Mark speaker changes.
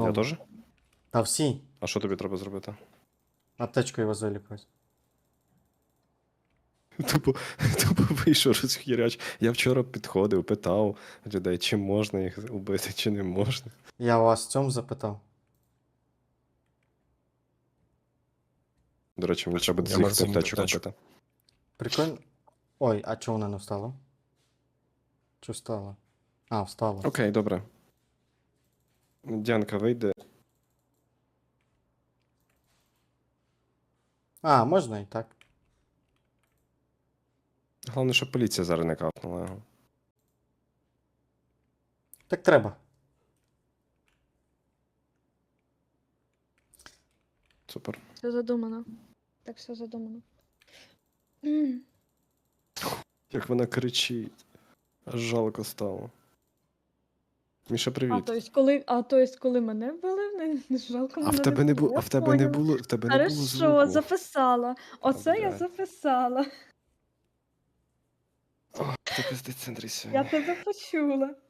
Speaker 1: Я теж?
Speaker 2: Та всі.
Speaker 1: А що тобі треба зробити?
Speaker 2: Аптечкою його залікувати.
Speaker 1: Тупо вийшов розхіряч. Я вчора підходив, питав людей, чи можна їх убити, чи не можна.
Speaker 2: Я вас в цьому запитав.
Speaker 1: До речі, мені треба
Speaker 3: Я
Speaker 1: цих
Speaker 3: можу замінити
Speaker 1: аптечок
Speaker 3: аптечку.
Speaker 1: купити.
Speaker 2: Прикольно. Ой, а чого вона не встала? Чи встала? А, встала.
Speaker 1: Окей, добре. Діанка, вийде.
Speaker 2: А, можна і так.
Speaker 1: Головне, щоб поліція зараз не капнула його.
Speaker 2: Так треба.
Speaker 1: Супер.
Speaker 4: Все задумано. Так все задумано.
Speaker 1: Як вона кричить. Аж жалко стало. Міша,
Speaker 4: А
Speaker 1: привіт.
Speaker 4: то есть, коли мене вбили, не жалко
Speaker 1: А
Speaker 4: мене
Speaker 1: в тебе не було,
Speaker 4: Я
Speaker 1: а в тебе не
Speaker 4: поняла.
Speaker 1: було, в тебе не було
Speaker 4: Хорошо,
Speaker 1: звуку.
Speaker 4: записала. Оце я
Speaker 1: блядь.
Speaker 4: записала.
Speaker 1: Ти пиздець, Андрій,
Speaker 4: Я
Speaker 1: сьогодні.
Speaker 4: тебе почула.